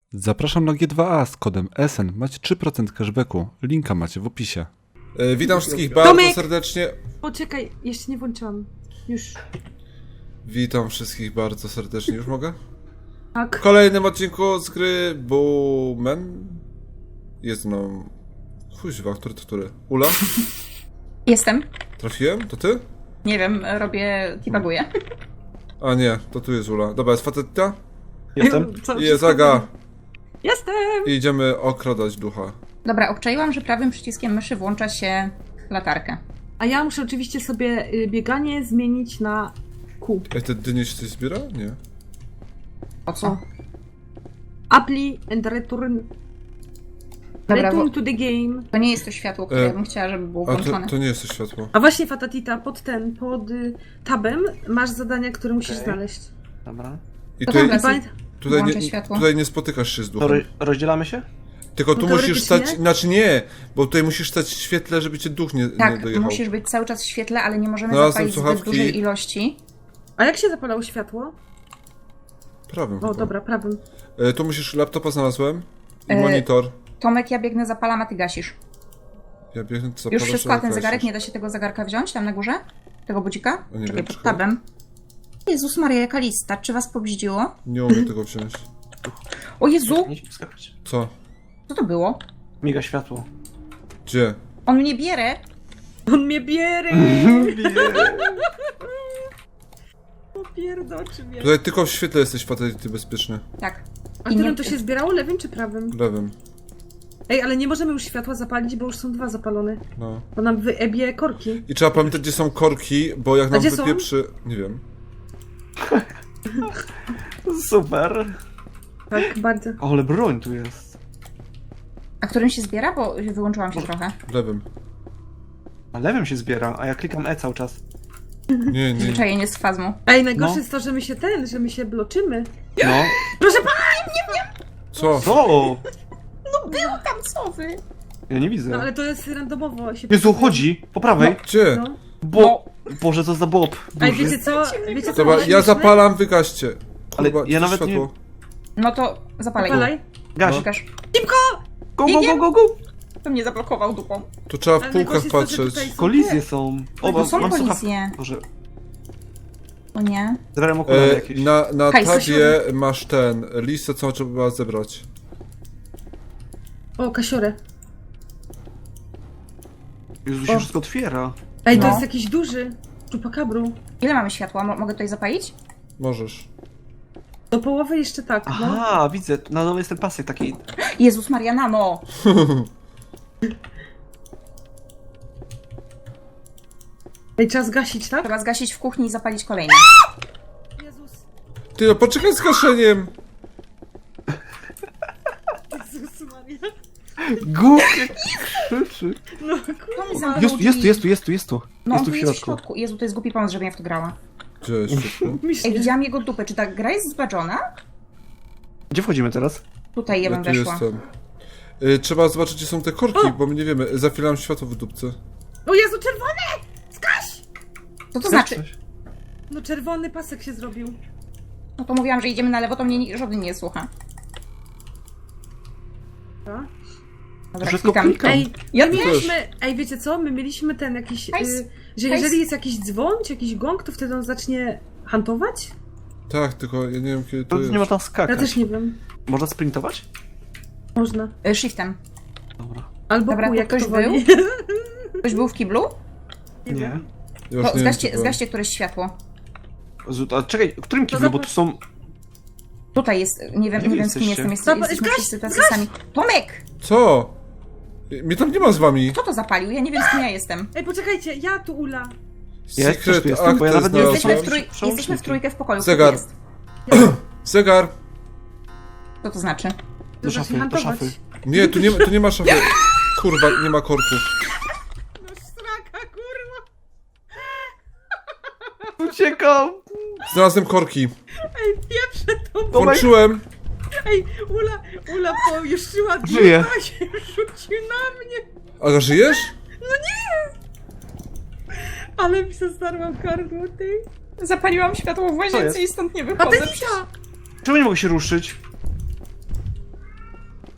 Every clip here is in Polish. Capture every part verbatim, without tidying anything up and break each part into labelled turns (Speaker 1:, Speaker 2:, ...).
Speaker 1: Zapraszam na G dwa A z kodem S N. Macie trzy procent cashbacku. Linka macie w opisie. E, witam wszystkich bardzo
Speaker 2: Tomek!
Speaker 1: serdecznie.
Speaker 2: Poczekaj, jeszcze nie włączyłam. Już.
Speaker 1: Witam wszystkich bardzo serdecznie. Już mogę?
Speaker 2: Tak.
Speaker 1: W kolejnym odcinku z gry Bowman. Jest mną... Kuźwa, który to który? Ula?
Speaker 3: Jestem.
Speaker 1: Trafiłem? To ty?
Speaker 3: Nie wiem, robię... debuguję.
Speaker 1: A nie, to tu jest Ula. Dobra, jest facetta?
Speaker 4: Jestem.
Speaker 2: Co,
Speaker 1: I jest Aga.
Speaker 2: Jestem!
Speaker 1: I idziemy okradać ducha.
Speaker 3: Dobra, obczaiłam, że prawym przyciskiem myszy włącza się latarkę.
Speaker 2: A ja muszę oczywiście sobie y, bieganie zmienić na Q.
Speaker 1: Ej, te dynie się coś zbiera? Nie.
Speaker 3: Po co?
Speaker 2: Apply and return.
Speaker 3: Dobra,
Speaker 2: Return
Speaker 3: bo
Speaker 2: to the game.
Speaker 3: to nie jest to światło, które
Speaker 1: E,
Speaker 3: ja bym chciała, żeby było
Speaker 1: A
Speaker 3: włączone.
Speaker 1: to, to nie jest to światło.
Speaker 2: A właśnie, Fatatita, pod ten, pod y, tabem masz zadania, które musisz
Speaker 4: Okej.
Speaker 2: znaleźć.
Speaker 4: Dobra.
Speaker 1: I
Speaker 3: To
Speaker 1: tutaj,
Speaker 3: tam
Speaker 2: Pamię-
Speaker 1: tutaj,
Speaker 3: Włączę
Speaker 1: nie,
Speaker 3: światło.
Speaker 1: tutaj nie spotykasz się z
Speaker 4: To
Speaker 1: duchem.
Speaker 4: ro rozdzielamy się?
Speaker 1: Tylko tu
Speaker 2: No
Speaker 1: musisz
Speaker 2: teoretycznie?
Speaker 1: stać, znaczy nie, bo tutaj musisz stać w świetle, żeby cię duch nie, nie
Speaker 3: Tak,
Speaker 1: dojechał.
Speaker 3: musisz być cały czas w świetle, ale nie możemy
Speaker 1: Znalazłem
Speaker 3: zapalić zbyt
Speaker 1: słuchawki.
Speaker 3: dużej ilości.
Speaker 2: A jak się zapalało światło?
Speaker 1: Prawym
Speaker 2: O,
Speaker 1: chyba.
Speaker 2: dobra, prawym.
Speaker 1: E, tu musisz, laptopa znalazłem i
Speaker 3: E,
Speaker 1: monitor.
Speaker 3: Tomek, ja biegnę, zapalam, a ty gasisz.
Speaker 1: Ja biegnę, co
Speaker 3: Już wszystko, a ten zegarek, nie da się tego zegarka wziąć tam na górze? Tego budzika?
Speaker 1: O, nie
Speaker 3: Czekaj,
Speaker 1: wiem,
Speaker 3: pod
Speaker 1: czekaj.
Speaker 3: tabem. Jezus Maria, jaka lista. Czy was pobździło?
Speaker 1: Nie umiem tego wziąć.
Speaker 3: O Jezu!
Speaker 4: Nie ci wskakać.
Speaker 1: Co?
Speaker 3: Co to było?
Speaker 4: Miga światło.
Speaker 1: Gdzie?
Speaker 3: On mnie bierze!
Speaker 2: On mnie bierze! Popierdoczy mnie.
Speaker 1: Tutaj tylko w świetle jesteś fatality bezpieczny.
Speaker 3: Tak.
Speaker 2: A
Speaker 3: I
Speaker 2: którym
Speaker 3: nie-
Speaker 2: to się zbierało? Lewym czy prawym?
Speaker 1: Lewym.
Speaker 2: Ej, ale nie możemy już światła zapalić, bo już są dwa zapalone.
Speaker 1: No.
Speaker 2: Bo nam wyebie korki.
Speaker 1: I trzeba pamiętać, gdzie są korki, bo jak nam
Speaker 2: gdzie są?
Speaker 1: wypieprzy... Nie wiem.
Speaker 4: Super.
Speaker 2: Tak, bardzo.
Speaker 4: O, ale broń tu jest.
Speaker 3: A którym się zbiera? Bo wyłączyłam się trochę.
Speaker 1: Lewym.
Speaker 4: Na lewym się zbiera, a ja klikam E cały czas.
Speaker 1: Nie, nie.
Speaker 3: Zwyczajenie z fazmu.
Speaker 2: Ej, najgorsze
Speaker 4: No.
Speaker 2: jest to, że my się ten, że my się bloczymy.
Speaker 4: No.
Speaker 2: Proszę pana!
Speaker 1: Co?
Speaker 4: Co?
Speaker 3: No był tam, co wy?
Speaker 4: Ja nie widzę.
Speaker 2: No ale to jest randomowo. Się
Speaker 4: Jezu, chodzi! Po prawej!
Speaker 1: Gdzie?
Speaker 2: No.
Speaker 4: Bo... Boże, co za bob
Speaker 2: Ej,
Speaker 4: duży.
Speaker 2: wiecie co? Wiecie co?
Speaker 1: Dobra,
Speaker 2: było
Speaker 1: ja
Speaker 2: śmieszne?
Speaker 1: zapalam, wygaście.
Speaker 4: Ale
Speaker 1: Kurwa,
Speaker 4: ja
Speaker 1: co
Speaker 4: nawet nie-
Speaker 1: światło?
Speaker 3: No to zapalaj.
Speaker 2: Zapalaj.
Speaker 4: Gaś.
Speaker 1: No.
Speaker 3: Gasz.
Speaker 4: Go, go, go, go, go!
Speaker 3: To mnie zablokował dupą.
Speaker 1: Tu trzeba w
Speaker 2: Ale
Speaker 1: półkach
Speaker 2: najgorsze jest to, że
Speaker 1: patrzeć.
Speaker 2: tutaj są
Speaker 4: Kolizje
Speaker 2: te-
Speaker 4: są.
Speaker 2: To
Speaker 4: O, mam,
Speaker 3: są
Speaker 4: mam
Speaker 3: kolizje.
Speaker 4: słuchawki. Boże,
Speaker 3: O nie.
Speaker 4: zabrałem okulary
Speaker 1: E,
Speaker 4: jakieś.
Speaker 1: na na
Speaker 3: Hej,
Speaker 1: tabie
Speaker 2: Kasiorek.
Speaker 1: masz ten, listę, co trzeba zebrać.
Speaker 2: O, kasiorę.
Speaker 4: Jezu, się
Speaker 2: o.
Speaker 4: wszystko otwiera.
Speaker 2: Ej, to
Speaker 3: No.
Speaker 2: jest jakiś duży. Czupakabru.
Speaker 3: Ile mamy światła? Mo mogę tutaj zapalić?
Speaker 1: Możesz.
Speaker 2: Do połowy jeszcze tak, no.
Speaker 4: Aha, widzę. Na dole jest ten pasek taki.
Speaker 3: Jezus Maria, nano!
Speaker 2: Ej, trzeba zgasić, tak?
Speaker 3: Trzeba zgasić w kuchni i zapalić kolejny.
Speaker 2: Jezus.
Speaker 1: Ty, no poczekaj z gaszeniem!
Speaker 2: Jezus Maria.
Speaker 4: Głupie krzyczy.
Speaker 2: No
Speaker 3: To mi
Speaker 2: kurwa.
Speaker 3: zamknął
Speaker 4: Jest, jest tu,
Speaker 3: drzwi.
Speaker 4: jest tu, jest tu, jest tu.
Speaker 3: No
Speaker 4: Jest
Speaker 3: on
Speaker 4: tu
Speaker 3: tu
Speaker 4: w
Speaker 3: jest w
Speaker 4: środku.
Speaker 3: środku. Jezu, to jest głupi pomysł, żebym ja w to grała.
Speaker 1: Gdzie jest światło?
Speaker 3: Ej,
Speaker 2: Myślę.
Speaker 3: widziałam jego dupę. Czy ta gra jest zbaczona?
Speaker 4: Gdzie wchodzimy teraz?
Speaker 3: Tutaj ja
Speaker 1: Ja
Speaker 3: bym
Speaker 1: tu
Speaker 3: weszła.
Speaker 1: jestem. Y, trzeba zobaczyć, gdzie są te korki,
Speaker 2: O!
Speaker 1: bo my nie wiemy. Zafilam światło w dupce.
Speaker 2: O Jezu, czerwony! Zgaś!
Speaker 3: Co to
Speaker 4: Chcesz
Speaker 3: znaczy?
Speaker 4: coś?
Speaker 2: No czerwony pasek się zrobił.
Speaker 3: No to mówiłam, że idziemy na lewo, to mnie ni- żaden nie słucha.
Speaker 2: Tak?
Speaker 3: Dobra,
Speaker 4: Wszystko
Speaker 3: klikam.
Speaker 4: klikam.
Speaker 2: Ej,
Speaker 3: Ja
Speaker 2: my
Speaker 3: też.
Speaker 2: mieliśmy, ej, wiecie co? My mieliśmy ten jakiś,
Speaker 3: Hajs.
Speaker 2: y, że
Speaker 3: Hajs.
Speaker 2: jeżeli jest jakiś dzwon, czy jakiś gong, to wtedy on zacznie hantować?
Speaker 1: Tak, tylko ja nie wiem, kiedy to
Speaker 4: To
Speaker 1: jest.
Speaker 4: nie można
Speaker 2: Ja
Speaker 4: skakać.
Speaker 2: też nie wiem.
Speaker 4: Można sprintować?
Speaker 2: Można.
Speaker 3: Y, Shiftem.
Speaker 4: Dobra.
Speaker 2: Albo
Speaker 3: Dobra,
Speaker 2: kół,
Speaker 3: to
Speaker 2: jak
Speaker 3: ktoś
Speaker 2: to woli.
Speaker 3: Ktoś był w kiblu?
Speaker 2: Nie
Speaker 4: Nie.
Speaker 2: wiem.
Speaker 1: Ja już
Speaker 3: To
Speaker 1: nie
Speaker 3: zgaście,
Speaker 1: wiem, co
Speaker 3: zgaście któreś światło.
Speaker 4: Jezu, a czekaj, w którym kiblu? Bo tu są...
Speaker 3: Tutaj jest, nie wiem,
Speaker 4: Gdzie
Speaker 3: nie
Speaker 4: wy
Speaker 3: wiem z kim
Speaker 4: jesteście?
Speaker 3: jestem, jest,
Speaker 2: Zobacz,
Speaker 3: jesteśmy
Speaker 2: zgaś,
Speaker 3: wszyscy tacy
Speaker 2: zgaś!
Speaker 3: sami. Tomek!
Speaker 1: Co? Mnie tam nie ma z wami.
Speaker 3: Kto to zapalił? Ja nie wiem z kim ja jestem.
Speaker 2: Ej, poczekajcie, ja tu Ula.
Speaker 4: Ja też
Speaker 1: Secret
Speaker 4: tu jestem, bo ja
Speaker 1: Acte
Speaker 4: nawet nie
Speaker 3: Jesteśmy w,
Speaker 1: znalazłem.
Speaker 3: trój...
Speaker 4: Przełączniki.
Speaker 3: jesteśmy w trójkę w pokoju.
Speaker 1: Zegar.
Speaker 3: Kto to jest?
Speaker 1: Zegar.
Speaker 3: Co to znaczy?
Speaker 4: Do
Speaker 2: zacznie
Speaker 4: szafy, do
Speaker 2: hantować.
Speaker 4: szafy.
Speaker 1: Nie, tu nie, ma- tu nie ma szafy. Kurwa, nie ma korków.
Speaker 2: No straka, kurwa.
Speaker 4: Uciekam!
Speaker 1: Znalazłem korki.
Speaker 2: Ej, pieprze to.
Speaker 4: Tomek.
Speaker 1: Włączyłem.
Speaker 2: Ej, Ula, Ula pojuszczyła
Speaker 4: Żyje.
Speaker 2: ducha, się rzucił na mnie.
Speaker 1: Aga, żyjesz?
Speaker 2: Ale mi się starła gardło, ty.
Speaker 3: Zapaliłam światło w
Speaker 4: Co jest?
Speaker 3: łazience i stąd nie wychodzę.
Speaker 2: Patetita!
Speaker 4: Czemu nie mogę się ruszyć?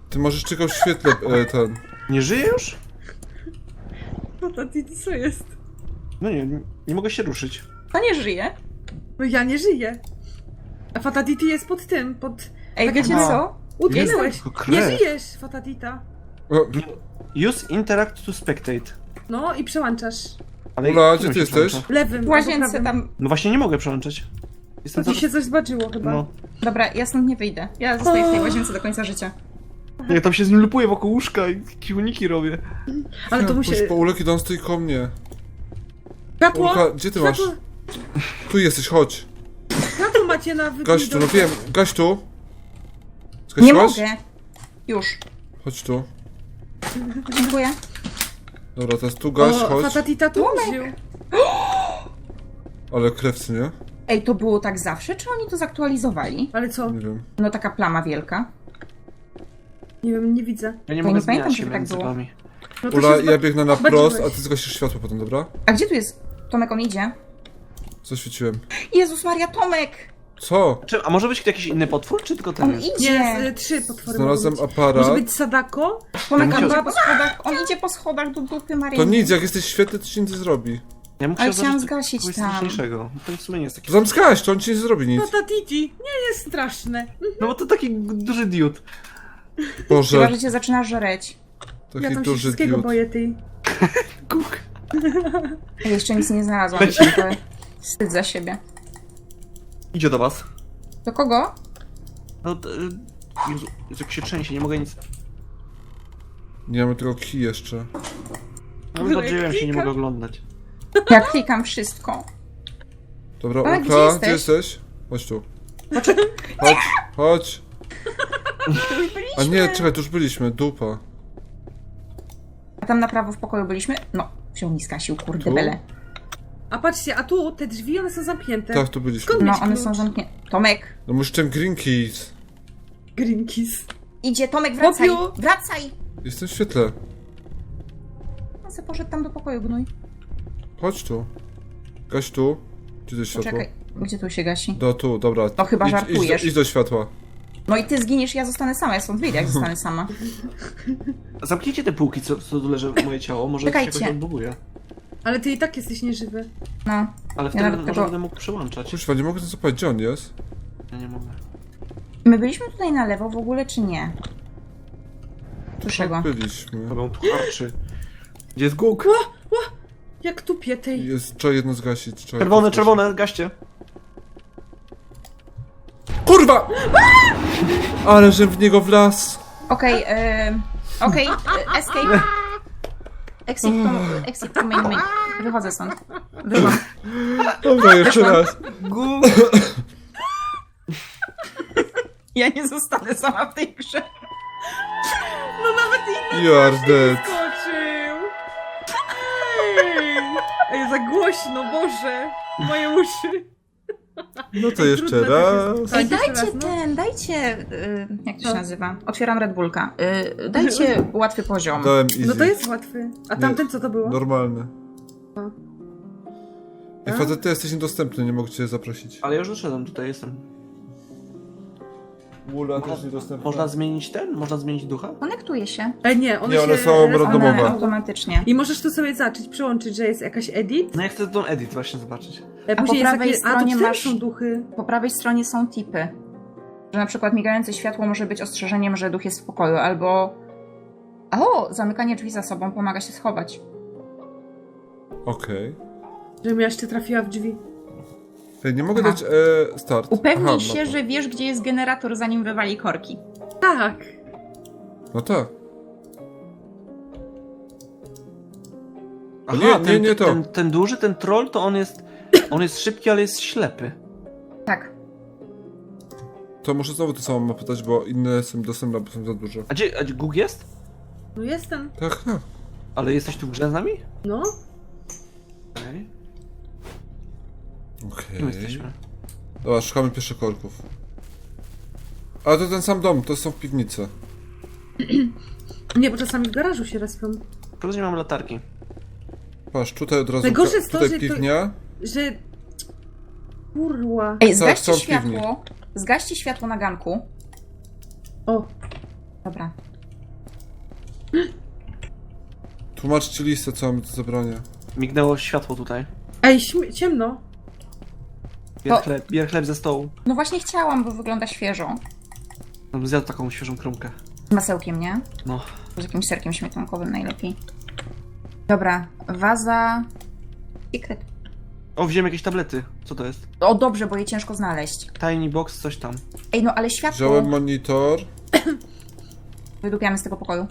Speaker 1: Ty możesz czekać w świetle, e, ten...
Speaker 4: Nie żyje już?
Speaker 2: Fatatiti, co jest?
Speaker 4: No nie, nie, nie mogę się ruszyć.
Speaker 3: To nie żyje.
Speaker 2: No ja nie żyję. A Fatatiti jest pod tym, pod...
Speaker 3: Ej,
Speaker 2: Tak
Speaker 3: wiecie
Speaker 2: jak
Speaker 3: co?
Speaker 2: Utknęłeś.
Speaker 4: Tylko
Speaker 2: Nie
Speaker 4: krew.
Speaker 2: żyjesz, Fatatita.
Speaker 1: O,
Speaker 4: Use interact to spectate.
Speaker 2: No i przełączasz.
Speaker 4: Ale
Speaker 1: Ula,
Speaker 4: którym
Speaker 1: gdzie ty
Speaker 4: się
Speaker 1: jesteś?
Speaker 4: przełącza?
Speaker 2: Lewym,
Speaker 3: W
Speaker 2: albo
Speaker 3: łazience
Speaker 2: prawym.
Speaker 3: tam...
Speaker 4: No właśnie nie mogę przełączać.
Speaker 2: To
Speaker 4: Jestem
Speaker 2: ci
Speaker 4: zaraz...
Speaker 2: się coś zbaczyło chyba.
Speaker 4: No.
Speaker 3: Dobra, ja stąd nie wyjdę. Ja zostaję w tej łazience do końca życia.
Speaker 4: Ja tam się z nim lupuję wokół łóżka i kiłniki robię.
Speaker 2: Ale to musi...
Speaker 1: Pójdź po Ulek i on stoi koło mnie.
Speaker 2: Światło!
Speaker 1: Ulka, gdzie ty masz?
Speaker 2: Światło!
Speaker 1: Tu jesteś, chodź.
Speaker 2: Światło macie na wybór.
Speaker 1: Gaś tu, no wiem, gaś tu.
Speaker 3: Nie
Speaker 1: Zgasiłaś?
Speaker 3: mogę. Już.
Speaker 1: Chodź tu.
Speaker 3: Dziękuję.
Speaker 1: Dobra, teraz tu gaś,
Speaker 2: O,
Speaker 1: chodź.
Speaker 2: Fatatita tu użył.
Speaker 1: Ale krewcy, nie?
Speaker 3: Ej, to było tak zawsze, czy oni to zaktualizowali?
Speaker 2: Ale co?
Speaker 1: Nie wiem.
Speaker 3: No taka plama wielka.
Speaker 2: Nie wiem, nie widzę.
Speaker 4: Ja nie
Speaker 3: Ja
Speaker 4: mogę
Speaker 3: nie
Speaker 4: zmieniać
Speaker 3: pamiętam,
Speaker 4: się
Speaker 3: żeby tak
Speaker 4: między
Speaker 3: było.
Speaker 4: wami.
Speaker 2: No to
Speaker 1: Ula,
Speaker 2: się
Speaker 1: ja
Speaker 2: zba-
Speaker 1: biegnę na
Speaker 2: zbaczyłeś.
Speaker 1: prost, a ty zgasisz światło potem, dobra?
Speaker 3: A gdzie tu jest? Tomek, on idzie.
Speaker 1: Zaświeciłem.
Speaker 3: Jezus Maria, Tomek!
Speaker 1: Co?
Speaker 4: Czy, a może być jakiś inny potwór, czy tylko ten
Speaker 3: On
Speaker 4: jest?
Speaker 3: idzie!
Speaker 2: Nie, z, y, trzy potwory
Speaker 1: Znalazłem
Speaker 2: mogą być.
Speaker 1: aparat.
Speaker 2: Może być Sadako?
Speaker 3: Tomek,
Speaker 4: Ja
Speaker 3: on
Speaker 4: musiał-
Speaker 3: idzie po schodach, on idzie po schodach do dupy Marii.
Speaker 1: To nic, jak jesteś świetny, to ci nic nie zrobi.
Speaker 4: Ja bym
Speaker 3: Ale
Speaker 4: chciał
Speaker 3: chciałam
Speaker 4: zobaczyć
Speaker 3: zgasić
Speaker 4: kogoś
Speaker 3: tam.
Speaker 4: straszniejszego. To w sumie nie jest taki...
Speaker 1: To tam zgaś, to on ci nie zrobi nic.
Speaker 2: Fatatiti! Nie jest straszne.
Speaker 4: No bo to taki duży diod.
Speaker 3: Chyba,
Speaker 1: Boże,
Speaker 3: że cię zaczyna żreć.
Speaker 2: Ja
Speaker 1: taki
Speaker 2: tam się
Speaker 1: duży
Speaker 2: wszystkiego
Speaker 1: diod.
Speaker 2: boję, ty.
Speaker 4: Kuk.
Speaker 3: Ja jeszcze nic nie znalazłam,
Speaker 4: Leci.
Speaker 3: tylko wstyd za siebie.
Speaker 4: Idzie do was.
Speaker 3: Do kogo?
Speaker 4: No to... y, Jezu, Jezu, jak się trzęsie, nie mogę nic...
Speaker 1: Nie mamy tylko kij jeszcze.
Speaker 4: No wydarzyłem się, nie mogę oglądać.
Speaker 3: Ja klikam wszystko.
Speaker 1: Dobra,
Speaker 3: Ale
Speaker 1: Ulka,
Speaker 3: gdzie jesteś?
Speaker 1: gdzie jesteś? Chodź tu. Chodź, chodź. A nie, czekaj, tu już byliśmy, dupa.
Speaker 3: A tam na prawo w pokoju byliśmy? No, się mi skasił, kurde
Speaker 1: Tu?
Speaker 3: bele.
Speaker 2: A patrzcie, a tu te drzwi, one są zamknięte.
Speaker 1: Tak, tu byliśmy.
Speaker 2: Skąd
Speaker 3: No,
Speaker 2: mieć
Speaker 3: one
Speaker 2: klucz?
Speaker 3: są zamknięte. Tomek!
Speaker 1: No musisz ten green keys.
Speaker 2: Green Keys.
Speaker 3: Idzie, Tomek, wracaj!
Speaker 2: Chłopiu!
Speaker 3: Wracaj!
Speaker 1: Jestem w świetle.
Speaker 3: On se poszedł tam do pokoju, gnój.
Speaker 1: Chodź tu. Gaś tu. Gdzie to jest światło?
Speaker 3: Poczekaj, gdzie tu się gasi?
Speaker 1: Do tu, dobra.
Speaker 3: No chyba
Speaker 1: idź,
Speaker 3: żartujesz.
Speaker 1: Idź do, idź do światła.
Speaker 3: No i ty zginiesz, ja zostanę sama, ja stąd wyjdę, jak zostanę sama.
Speaker 4: Zamknijcie te półki, co, co tu leży moje ciało, może
Speaker 3: Czekajcie.
Speaker 4: się jakoś odbuguje.
Speaker 2: Ale ty i tak jesteś nieżywy.
Speaker 3: No.
Speaker 4: Ale wtedy
Speaker 3: nawet
Speaker 4: może
Speaker 3: tego-
Speaker 4: będę mógł przełączać.
Speaker 1: Kurwa, nie mogę ten zapalić, gdzie on jest?
Speaker 4: Ja nie mogę.
Speaker 3: My byliśmy tutaj na lewo w ogóle, czy nie? Słyszę go.
Speaker 1: Byliśmy.
Speaker 4: Robią tu harczy. Gdzie jest Guk?
Speaker 2: Jak tupie tej.
Speaker 1: Jest, trzeba jedno zgasić. Trzeba
Speaker 4: Czerwone,
Speaker 1: jedno zgasić.
Speaker 4: czerwone, gaście.
Speaker 1: Kurwa! Ale że w niego wlazł.
Speaker 3: Okej, okay, okej, okay, escape. Exit to, exit to main menu. Wychodzę stąd. Wyszłam.
Speaker 1: Dobra, jeszcze raz.
Speaker 4: Guk!
Speaker 3: Ja nie zostanę sama w tej grze.
Speaker 2: No nawet inny
Speaker 1: You are dead.
Speaker 2: skoczył. Ej, Ej, za głośno, Boże. Moje uszy.
Speaker 1: No to
Speaker 2: Ej,
Speaker 1: jeszcze
Speaker 2: trudne to
Speaker 1: raz.
Speaker 2: jest.
Speaker 3: Ej,
Speaker 2: Tak, jeszcze
Speaker 3: dajcie
Speaker 2: raz, no.
Speaker 3: ten, dajcie, y, jak to się
Speaker 2: Co?
Speaker 3: nazywa? Otwieram Red Bullka. Y, dajcie łatwy poziom.
Speaker 1: Dałem easy.
Speaker 2: No to jest łatwy. A tamten co to było?
Speaker 1: Normalny.
Speaker 2: A.
Speaker 1: Ej,
Speaker 2: A?
Speaker 1: facet, ty jesteś niedostępny, nie mogę cię zaprosić.
Speaker 4: Ale już doszedłem, tutaj jestem.
Speaker 1: Mula też niedostępna.
Speaker 4: Można zmienić ten? Można zmienić ducha?
Speaker 3: Konektuje się.
Speaker 2: Ej, nie, one
Speaker 1: Nie, one
Speaker 2: się
Speaker 1: są
Speaker 2: respią.
Speaker 1: randomowe.
Speaker 3: One automatycznie.
Speaker 2: I możesz tu sobie zacząć, przełączyć, że jest jakaś edit.
Speaker 4: No ja chcę tą edit właśnie zobaczyć.
Speaker 2: A
Speaker 3: po
Speaker 2: później
Speaker 3: prawej
Speaker 2: jest takie, a
Speaker 3: stronie
Speaker 2: to też
Speaker 3: masz-
Speaker 2: są duchy.
Speaker 3: Po prawej stronie są tipy. Że na przykład migające światło może być ostrzeżeniem, że duch jest w pokoju, albo... O, zamykanie drzwi za sobą pomaga się schować.
Speaker 1: Okej.
Speaker 2: Żebym ja jeszcze trafiła w drzwi.
Speaker 1: Ej, nie mogę
Speaker 3: Aha.
Speaker 1: dać e, start.
Speaker 3: Upewnij
Speaker 1: Aha,
Speaker 3: się,
Speaker 1: mapa.
Speaker 3: że wiesz, gdzie jest generator, zanim wywali korki.
Speaker 2: Tak.
Speaker 1: No tak.
Speaker 4: Aha,
Speaker 1: nie, nie,
Speaker 4: ten,
Speaker 1: nie to.
Speaker 4: Ten, ten duży, ten troll, to on jest... On jest szybki, ale jest ślepy.
Speaker 3: Tak.
Speaker 1: To muszę znowu tę samą mapę dać, bo inne są dostępne, bo są za dużo.
Speaker 4: A gdzie, a gdzie Guk jest?
Speaker 2: No jestem.
Speaker 1: Tak, no.
Speaker 4: Ale jesteś tu w grze z nami?
Speaker 2: No.
Speaker 4: Okej.
Speaker 1: Okej.
Speaker 4: Kim jesteśmy?
Speaker 1: Dobra, szukamy pierwszych korków. Ale to ten sam dom, to są w piwnicy.
Speaker 2: Nie, bo czasami w garażu się respią.
Speaker 4: Teraz nie mam latarki.
Speaker 1: Patrz, tutaj od razu.
Speaker 2: Najgorsze jest to,
Speaker 1: tutaj
Speaker 2: że to-
Speaker 1: piwnia.
Speaker 2: Że... Kurwa.
Speaker 3: Ej,
Speaker 1: Tak,
Speaker 3: zgaście
Speaker 1: są w piwni.
Speaker 3: światło. Zgaście światło na ganku.
Speaker 2: O,
Speaker 3: Dobra.
Speaker 1: Tłumaczcie listę, co mamy do zabrania.
Speaker 4: Mignęło światło tutaj.
Speaker 2: Ej, śmie- ciemno.
Speaker 4: Bier
Speaker 3: To-
Speaker 4: chleb, bier chleb ze stołu.
Speaker 3: No właśnie chciałam, bo wygląda świeżo.
Speaker 4: Bym zjadł taką świeżą kromkę.
Speaker 3: Z masełkiem, nie?
Speaker 4: No.
Speaker 3: Z jakimś serkiem śmietankowym najlepiej. Dobra, waza... Secret.
Speaker 4: O, wziąłem jakieś tablety. Co to jest?
Speaker 3: O, dobrze, bo je ciężko znaleźć.
Speaker 4: Tiny box, coś tam.
Speaker 3: Ej, no ale światło...
Speaker 1: Wziąłem monitor.
Speaker 3: Wydupiamy z tego pokoju.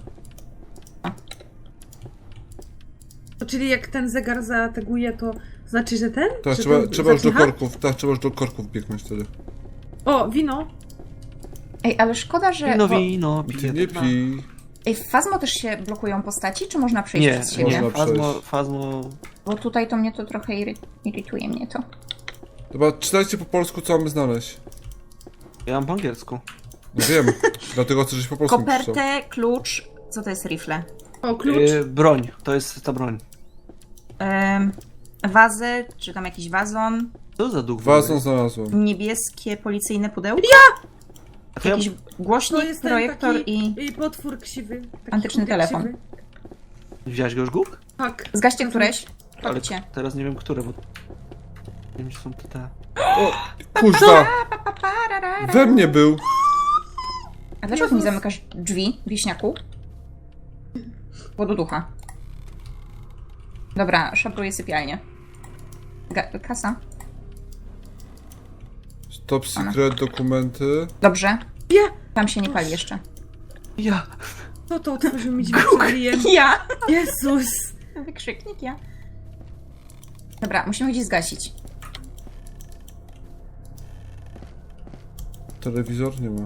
Speaker 2: To czyli jak ten zegar zateguje, to znaczy, że ten?
Speaker 1: Tak,
Speaker 2: Że
Speaker 1: trzeba,
Speaker 2: ten
Speaker 1: trzeba już do
Speaker 2: zacicha?
Speaker 1: korków. Tak, trzeba już do korków biegnąć wtedy.
Speaker 2: O, wino.
Speaker 3: Ej, ale szkoda, że...
Speaker 4: Wino,
Speaker 3: bo...
Speaker 4: wino,
Speaker 1: Ty
Speaker 4: piję.
Speaker 1: nie
Speaker 4: dwa.
Speaker 1: pij.
Speaker 3: Ej, w Fazmo też się blokują postaci, czy można przejść
Speaker 4: Nie,
Speaker 3: przez siebie?
Speaker 4: nie.
Speaker 1: Można
Speaker 4: Fazmo,
Speaker 1: przejść.
Speaker 4: fazmo...
Speaker 3: Bo tutaj to mnie to trochę iry... irytuje mnie to.
Speaker 1: Dobra, czytajcie po polsku, co mamy znaleźć.
Speaker 4: Ja mam po angielsku.
Speaker 1: No wiem, dlatego chcę, żeś po polsku napisał.
Speaker 3: Kopertę, klucz... Co to jest rifle?
Speaker 2: O, klucz.
Speaker 4: Yy, broń, to jest ta broń.
Speaker 3: Ym, wazę, czy tam jakiś wazon.
Speaker 4: Co za duch?
Speaker 1: Wazon znalazłem.
Speaker 3: Niebieskie policyjne pudełko.
Speaker 4: A to ja...
Speaker 3: Jakiś
Speaker 2: To
Speaker 3: głośnik,
Speaker 2: jest ten
Speaker 3: projektor
Speaker 2: taki
Speaker 3: i...
Speaker 2: i potwór ksiwy. Taki
Speaker 3: Antyczny
Speaker 2: chłopiec
Speaker 3: telefon.
Speaker 2: Siwy.
Speaker 4: Wziąłeś go już, Guk?
Speaker 2: Tak.
Speaker 3: Zgaście któreś?
Speaker 4: Ale
Speaker 3: Chodźcie.
Speaker 4: teraz nie wiem, które, bo... Nie wiem, czy są to te...
Speaker 1: O, kuźwa! We mnie był!
Speaker 3: A dlaczego mi zamykasz drzwi, wieśniaku? Wododucha. Dobra, szabruję sypialnię. Ga- kasa.
Speaker 1: Top secret, dokumenty.
Speaker 3: Dobrze.
Speaker 2: Ja!
Speaker 3: Tam się nie pali jeszcze.
Speaker 4: Ja!
Speaker 2: Kto to otworzył mi drzwi przed ryjem?
Speaker 3: Ja!
Speaker 2: Jezus!
Speaker 3: Wykrzyknik ja. Dobra, musimy gdzieś zgasić.
Speaker 1: Telewizor nie ma.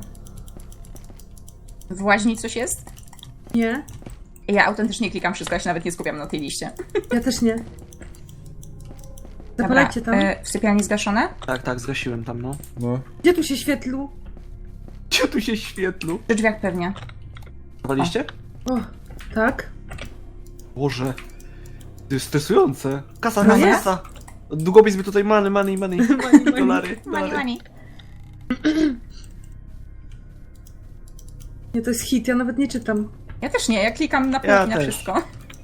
Speaker 3: W łaźni coś jest?
Speaker 2: Nie,
Speaker 3: Ja autentycznie klikam wszystko, ja się nawet nie skupiam na tej liście.
Speaker 2: ja też nie. Zapalajcie tam.
Speaker 3: e, w sypialni zgaszone?
Speaker 4: Tak, tak, zgasiłem tam, no.
Speaker 1: No.
Speaker 2: Gdzie tu się świetlu?
Speaker 4: Gdzie tu się świetlu?
Speaker 3: Przy drzwiach pewnie.
Speaker 4: Zawaliście?
Speaker 2: O, tak.
Speaker 4: Boże. To jest stresujące. Kasa,
Speaker 3: No
Speaker 4: kasa,
Speaker 3: nie?
Speaker 4: kasa. Długopis by tutaj money, money, money.
Speaker 2: Money, money.
Speaker 4: Dolary,
Speaker 3: Mani,
Speaker 4: dolary.
Speaker 3: mani.
Speaker 2: Nie, to jest hit, ja nawet nie czytam.
Speaker 3: Ja też nie, ja klikam na
Speaker 4: Ja
Speaker 3: półki na
Speaker 4: też.
Speaker 3: wszystko.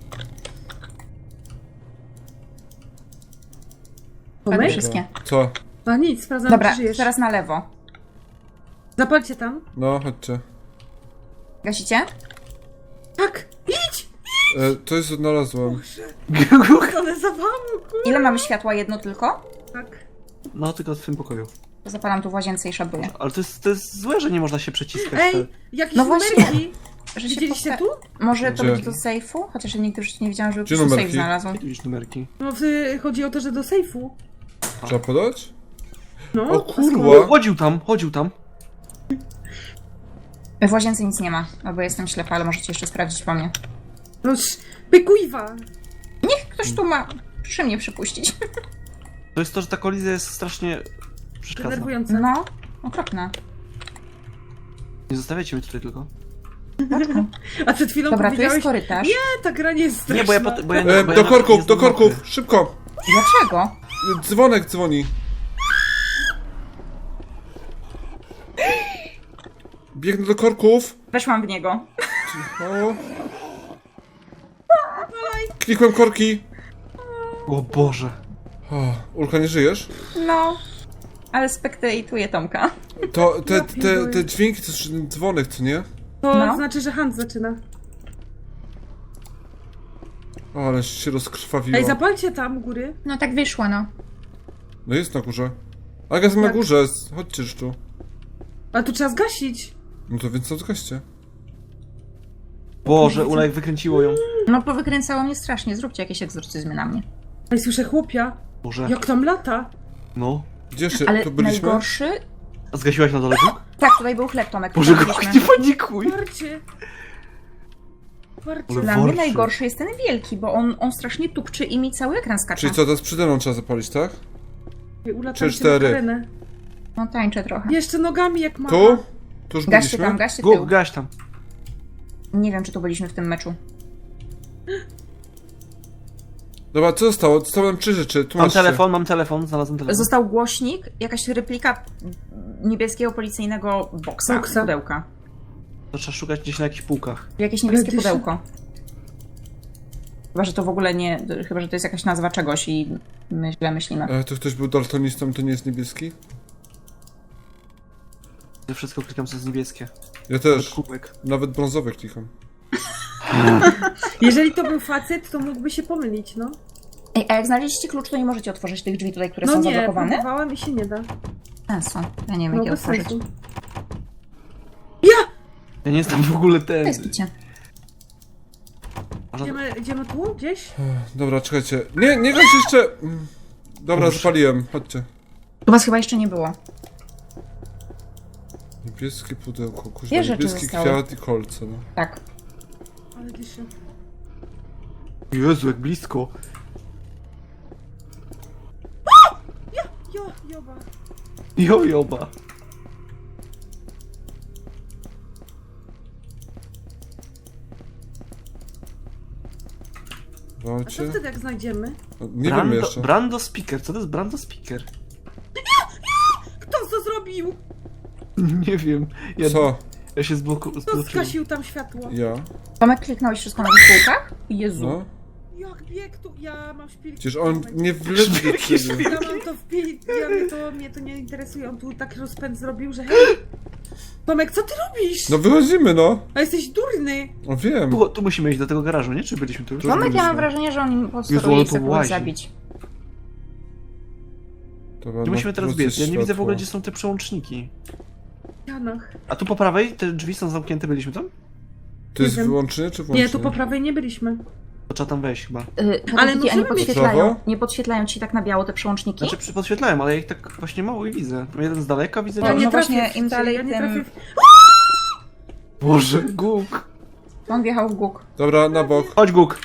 Speaker 3: Ładnie
Speaker 2: Tomek?
Speaker 3: wszystkie.
Speaker 1: Co?
Speaker 2: A nic, sprawdzam,
Speaker 3: Dobra,
Speaker 2: czy żyjesz.
Speaker 3: teraz na lewo.
Speaker 2: Zapalcie tam.
Speaker 1: No, chodźcie.
Speaker 3: Gasicie?
Speaker 2: Tak! Idź!
Speaker 1: E, to jest znalazłem.
Speaker 2: Ale zawału, kur...
Speaker 3: Ile mamy światła? Jedno tylko?
Speaker 2: Tak.
Speaker 4: No, tylko w tym pokoju.
Speaker 3: To zapalam tu w łazience i szabruję.
Speaker 4: Ale to jest, to jest złe, że nie można się przeciskać.
Speaker 2: Ej, jakieś
Speaker 3: No właśnie.
Speaker 2: numerki!
Speaker 3: Że się
Speaker 2: Widzieliście
Speaker 3: posta-
Speaker 2: tu?
Speaker 3: Może to
Speaker 1: Gdzie?
Speaker 3: być do sejfu? Chociaż ja nigdy już nie widziałam, żeby
Speaker 1: Gdzie
Speaker 3: ktoś
Speaker 1: numerki?
Speaker 3: sejf znalazł.
Speaker 4: Jakieś numerki.
Speaker 2: No, w- chodzi o to, że do sejfu.
Speaker 1: Trzeba podać?
Speaker 2: No,
Speaker 1: O
Speaker 2: a
Speaker 1: kurwa!
Speaker 2: skąd?
Speaker 4: Chodził tam, chodził tam.
Speaker 3: W łazience nic nie ma, albo jestem ślepa, ale możecie jeszcze sprawdzić po mnie.
Speaker 2: No, sz- pykujwa!
Speaker 3: Niech ktoś tu ma przy mnie przypuścić.
Speaker 4: To jest to, że ta kolizja jest strasznie... przeszkadza.
Speaker 2: Denerwujące.
Speaker 3: No, okropne.
Speaker 4: Nie zostawiajcie mnie tutaj tylko.
Speaker 2: A przed chwilą
Speaker 3: Dobra, tu jest
Speaker 2: powiedziałeś...
Speaker 3: korytarz.
Speaker 2: Nie, ta gra nie jest straszna.
Speaker 4: Nie, bo ja... Pot, bo ja,
Speaker 1: E,
Speaker 4: bo ja
Speaker 1: do
Speaker 4: nawet nie
Speaker 1: korków, do
Speaker 4: znam
Speaker 1: korków!
Speaker 4: mapy.
Speaker 1: Szybko!
Speaker 3: Dlaczego?
Speaker 1: Dzwonek dzwoni. Biegnę do korków.
Speaker 3: Weszłam w niego.
Speaker 1: O. Klikłem korki.
Speaker 4: O Boże.
Speaker 1: O, Ulka, nie żyjesz?
Speaker 3: No. Ale spektatuję Tomka.
Speaker 1: To te,
Speaker 2: Ja
Speaker 1: te,
Speaker 2: pierdolę.
Speaker 1: te dźwięki, to jest dzwonek, co nie?
Speaker 2: To
Speaker 3: No.
Speaker 2: znaczy, że Hans zaczyna.
Speaker 1: O, ale się rozkrwawiło.
Speaker 2: Ej, zapalcie tam u góry.
Speaker 3: No tak wyszło, no.
Speaker 1: No jest na górze. Aga jest na
Speaker 2: Jak?
Speaker 1: górze, chodźcie już tu.
Speaker 2: A tu trzeba zgasić.
Speaker 1: No to więc co zgaście.
Speaker 4: Boże, Ulaj wykręciło ją.
Speaker 3: No powykręcało mnie strasznie. Zróbcie jakieś egzorcyzmy na mnie.
Speaker 2: Ej, słyszę chłopia.
Speaker 4: Boże.
Speaker 2: Jak tam lata.
Speaker 4: No.
Speaker 1: Gdzie jeszcze?
Speaker 3: Ale
Speaker 1: Tu byliśmy?
Speaker 3: najgorszy...
Speaker 4: A zgasiłaś na dole? Guk?
Speaker 3: Tak, tutaj był chleb, Tomek.
Speaker 4: Boże,
Speaker 3: tutaj
Speaker 4: Guk,
Speaker 3: byliśmy.
Speaker 4: nie panikuj.
Speaker 2: Parcie. Parcie.
Speaker 4: Ale
Speaker 3: Dla mnie
Speaker 4: worszy.
Speaker 3: najgorszy jest ten wielki, bo on, on strasznie tupczy i mi cały ekran skacze.
Speaker 1: Czyli co, teraz przede mną trzeba zapalić, tak?
Speaker 2: Ula,
Speaker 1: Trzy,
Speaker 2: tańczy
Speaker 1: cztery.
Speaker 2: Makarenę.
Speaker 3: No tańczę trochę.
Speaker 2: Jeszcze nogami jak mama.
Speaker 1: Tu? Tu już
Speaker 3: Gaście
Speaker 1: byliśmy?
Speaker 3: tam, gaście tył.
Speaker 4: Guk, gaś tam.
Speaker 3: Nie wiem, czy tu byliśmy w tym meczu.
Speaker 1: Dobra, co zostało? Zostały nam trzy rzeczy,
Speaker 4: Mam
Speaker 1: tłumaczcie.
Speaker 4: telefon, mam telefon, znalazłem telefon.
Speaker 3: Został głośnik, jakaś replika niebieskiego policyjnego boksa,
Speaker 2: Boksa.
Speaker 3: pudełka.
Speaker 4: To trzeba szukać gdzieś na jakichś półkach.
Speaker 3: Jakieś niebieskie
Speaker 2: Ale dyszy.
Speaker 3: pudełko. Chyba, że to w ogóle nie... Chyba, że to jest jakaś nazwa czegoś i my źle myślimy.
Speaker 1: E, to ktoś był daltonistą, to nie jest niebieski?
Speaker 4: Ja wszystko klikam, co jest niebieskie.
Speaker 1: Ja też.
Speaker 4: Kubek.
Speaker 1: Nawet brązowy klikam.
Speaker 2: Jeżeli to był facet, to mógłby się pomylić, no.
Speaker 3: Ej, a jak znaleźliście klucz, to nie możecie otworzyć tych drzwi tutaj, które
Speaker 2: No
Speaker 3: są
Speaker 2: nie,
Speaker 3: zablokowane?
Speaker 2: próbowałam i się nie da.
Speaker 3: Sensu. Ja nie wiem,
Speaker 2: No
Speaker 3: jak je
Speaker 2: bez
Speaker 3: otworzyć.
Speaker 2: sensu.
Speaker 4: Ja nie jestem w ogóle ten...
Speaker 3: To jest kicie.
Speaker 4: Można...
Speaker 2: Idziemy, idziemy tu, gdzieś?
Speaker 1: Ech, Dobra, czekajcie. Nie, nie gaś jeszcze! Mm. Dobra,
Speaker 4: Boże.
Speaker 1: zapaliłem. Chodźcie.
Speaker 3: Tu was chyba jeszcze nie było.
Speaker 1: Niebieskie pudełko, kurwa,
Speaker 3: Dwie rzeczy
Speaker 1: niebieski
Speaker 3: zostały.
Speaker 1: kwiat i kolce, no.
Speaker 3: Tak.
Speaker 2: Ale dyszy.
Speaker 4: Jezu, jak blisko.
Speaker 2: Jo, joba.
Speaker 4: Jo, joba.
Speaker 2: A co
Speaker 1: Walcie?
Speaker 2: wtedy jak znajdziemy?
Speaker 1: No, nie
Speaker 4: Brando,
Speaker 1: wiem jeszcze.
Speaker 4: Brando Speaker. Co to jest Brando Speaker?
Speaker 2: Kto to zrobił?
Speaker 4: Nie wiem. Ja,
Speaker 1: Co?
Speaker 4: ja się zbloku...
Speaker 2: Kto
Speaker 4: zbloczyłem.
Speaker 2: skasił tam światło?
Speaker 1: Ja?
Speaker 3: Tomek, kliknąłeś wszystko na tych półkach? Jezu.
Speaker 1: No?
Speaker 2: Jak bieg tu? Ja mam szpilki.
Speaker 1: Przecież on nie wlezie do ciebie.
Speaker 2: Ja mam to w pi... Ja mnie to, mnie to nie interesuje. On tu tak rozpęd zrobił, że hej! Tomek, co ty robisz?
Speaker 1: No wychodzimy, no.
Speaker 2: A jesteś durny!
Speaker 1: O wiem.
Speaker 4: Tu, tu musimy iść do tego garażu, nie? Czy byliśmy tu już?
Speaker 1: Tu-
Speaker 3: Tomek, ja
Speaker 1: byliśmy.
Speaker 3: mam wrażenie, że on im
Speaker 4: Jezu,
Speaker 3: posteruje
Speaker 4: ale
Speaker 3: i
Speaker 4: to
Speaker 3: chce kogoś
Speaker 4: łazi.
Speaker 3: zabić.
Speaker 1: Dobra,
Speaker 4: Gdzie
Speaker 1: no,
Speaker 4: musimy teraz
Speaker 1: wrócę
Speaker 4: biec? Ja nie widzę w
Speaker 1: światło.
Speaker 4: ogóle, gdzie są te przełączniki.
Speaker 2: W ścianach.
Speaker 4: A tu po prawej te drzwi są zamknięte, byliśmy tam?
Speaker 1: To jest
Speaker 2: Nie wiem.
Speaker 1: wyłączenie czy włączenie?
Speaker 2: Nie, tu po prawej nie byliśmy.
Speaker 4: To trzeba tam wejść chyba.
Speaker 3: Yy,
Speaker 2: Ale
Speaker 3: Ale a nie
Speaker 2: możemy mieć
Speaker 3: podświetlają,
Speaker 1: prawo?
Speaker 3: nie podświetlają ci tak na biało te przełączniki?
Speaker 4: Znaczy przy- podświetlałem, ale ja ich tak właśnie mało i widzę. Jeden z daleka widzę.
Speaker 3: No,
Speaker 2: Ja
Speaker 4: drugi-
Speaker 2: nie
Speaker 3: no
Speaker 2: trafię
Speaker 3: właśnie, im
Speaker 2: wcale,
Speaker 3: dalej,
Speaker 2: ja nie
Speaker 3: tym-
Speaker 2: trafię w...
Speaker 4: Boże, Guk.
Speaker 3: On wjechał w Guk.
Speaker 1: Dobra, na bok.
Speaker 4: Chodź, Guk.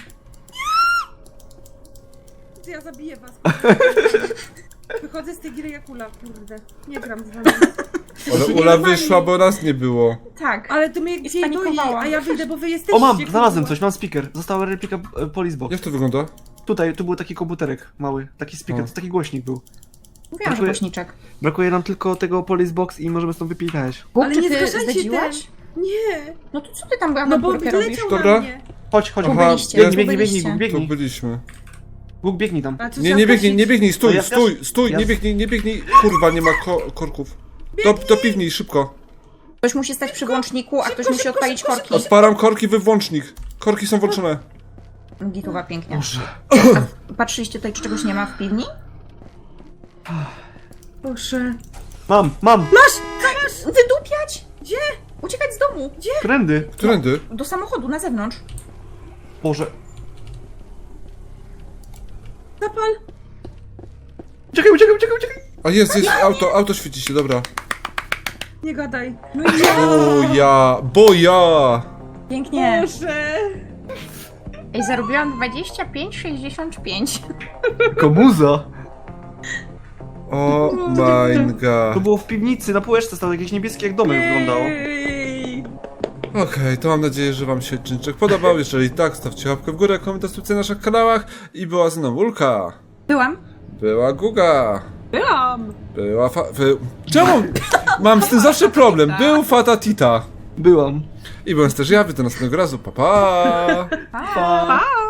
Speaker 2: Ja zabiję was. Wychodzę z tej gry jak ula, kurde. Nie gram z wami.
Speaker 1: Ale Ula wyszła, bo nas nie było.
Speaker 3: Tak.
Speaker 2: Ale to mnie gdzie doi,
Speaker 3: spanikowała.
Speaker 2: a ja wyjdę, bo wy jesteście.
Speaker 4: O, mam,
Speaker 2: kurwa.
Speaker 4: znalazłem coś, mam speaker. Została replika e, Police Box.
Speaker 1: Jak to wygląda?
Speaker 4: Tutaj, tu był taki komputerek mały, taki speaker,
Speaker 1: O.
Speaker 4: to taki głośnik był.
Speaker 3: Mówiłam, że
Speaker 4: Dziękuję.
Speaker 3: głośniczek.
Speaker 4: Brakuje nam tylko tego Police Box i możemy stąd wypijać.
Speaker 3: Guk,
Speaker 2: Ale
Speaker 3: czy
Speaker 2: nie
Speaker 3: ty
Speaker 2: zgaszajcie
Speaker 3: zdedziłaś?
Speaker 2: Nie,
Speaker 3: No to co ty tam
Speaker 2: no bo
Speaker 3: awanturkę robisz?
Speaker 2: wleciał
Speaker 1: Dobra.
Speaker 2: na mnie.
Speaker 4: Chodź, chodź,
Speaker 3: Tu
Speaker 1: Aha,
Speaker 3: byliście,
Speaker 1: jest-
Speaker 3: tu
Speaker 4: biegnij, biegnij,
Speaker 3: byliście.
Speaker 4: Guk,
Speaker 1: Tu
Speaker 4: biegnij.
Speaker 1: byliśmy.
Speaker 4: Guk, biegnij tam.
Speaker 2: A co
Speaker 1: Nie,
Speaker 2: trzeba
Speaker 1: nie biegnij,
Speaker 2: zgasić?
Speaker 1: nie biegnij, stój,
Speaker 4: No ja
Speaker 1: stój,
Speaker 4: zgas-
Speaker 1: stój,
Speaker 4: ja
Speaker 1: nie
Speaker 4: z-
Speaker 1: biegnij, nie biegnij. Kurwa, nie ma ko korków. Do, do piwni, szybko.
Speaker 3: Ktoś musi stać przy włączniku, a ktoś musi odpalić korki.
Speaker 1: Odparam korki, wy włącznik. Korki są włączone.
Speaker 3: Gituwa pięknie.
Speaker 4: Boże.
Speaker 3: Patrzyliście tutaj, czy czegoś nie ma w piwni?
Speaker 2: Proszę.
Speaker 4: Mam, mam!
Speaker 3: Wydupiać!
Speaker 2: Gdzie?
Speaker 3: Uciekać z domu! Gdzie?
Speaker 4: Trendy.
Speaker 1: Którędy?
Speaker 3: Do samochodu, na zewnątrz.
Speaker 4: Boże.
Speaker 2: Zapal.
Speaker 4: Uciekaj, uciekaj, uciekaj, uciekaj!
Speaker 1: A jest, jest auto, auto świeci się, dobra.
Speaker 2: Nie gadaj. No
Speaker 1: O ja, bo ja.
Speaker 3: Pięknie.
Speaker 2: Boże.
Speaker 3: Ej, zarobiłam dwadzieścia pięć sześćdziesiąt pięć.
Speaker 4: Komuza!
Speaker 1: O my
Speaker 4: To
Speaker 1: god.
Speaker 4: było w piwnicy, na półeczce stał jakieś niebieskie, jak domek wyglądało.
Speaker 2: Ej.
Speaker 1: Okej, to mam nadzieję, że wam się odcinek podobał. Jeżeli tak, stawcie łapkę w górę, komentarz, subskrypcję na naszych kanałach. I była ze mną Ulka.
Speaker 3: Byłam.
Speaker 1: Była Guga.
Speaker 2: Byłam.
Speaker 1: Była fa... Wy... Czemu? Mam z tym zawsze problem. Był Fatatita.
Speaker 4: Byłam.
Speaker 1: I byłem też ja, wy do następnego razu. Pa, pa.
Speaker 3: Pa.
Speaker 2: Pa.